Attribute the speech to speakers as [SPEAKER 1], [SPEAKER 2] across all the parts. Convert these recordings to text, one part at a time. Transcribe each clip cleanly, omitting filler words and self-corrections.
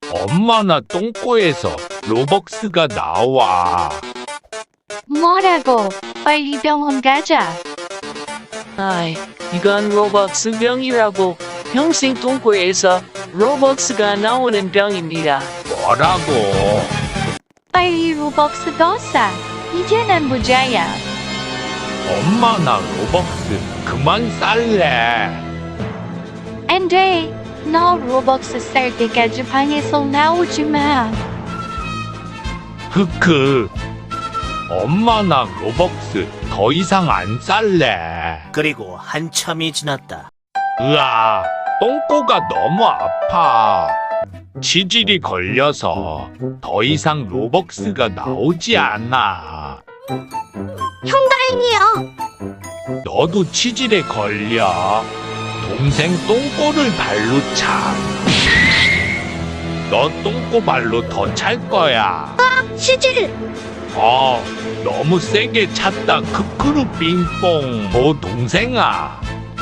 [SPEAKER 1] 엄마 나 똥꼬에서 로벅스가 나와.
[SPEAKER 2] 뭐라고? 빨리 병원 가자.
[SPEAKER 3] 아이, 이건 로벅스 병이라고. 평생 똥꼬에서 로벅스가 나오는 병입니다.
[SPEAKER 1] 뭐라고?
[SPEAKER 2] 빨리 로벅스 더 사. 이제는 부자야.
[SPEAKER 1] 엄마 나 로벅스 그만 쌀래.
[SPEAKER 2] 안 돼. 너 로벅스 살 때까지 방에서 나오지 마.
[SPEAKER 1] 크크. 엄마 나 로벅스 더 이상 안 쌀래.
[SPEAKER 4] 그리고 한참이 지났다.
[SPEAKER 1] 으아, 똥꼬가 너무 아파. 치질이 걸려서 더 이상 로벅스가 나오지 않아.
[SPEAKER 2] 형 다행이야.
[SPEAKER 1] 너도 치질에 걸려. 동생 똥꼬를 발로 차. 너 똥꼬 발로 더 찰 거야.
[SPEAKER 2] 치질.
[SPEAKER 1] 너무 세게 찼다. 크크루 빙뽕. 동생아.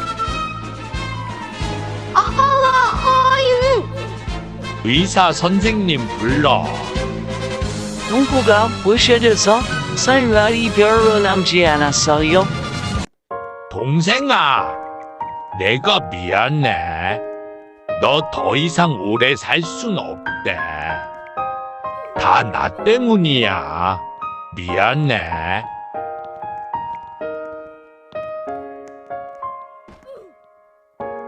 [SPEAKER 2] 아유.
[SPEAKER 1] 의사 선생님 불러.
[SPEAKER 3] 똥꼬가 부셔져서 살날이 별로 남지 않았어요.
[SPEAKER 1] 동생아, 내가 미안해. 너 더 이상 오래 살 순 없대. 다 나 때문이야. 미안해.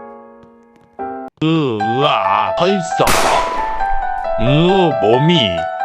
[SPEAKER 1] 으아, 벌써. 몸이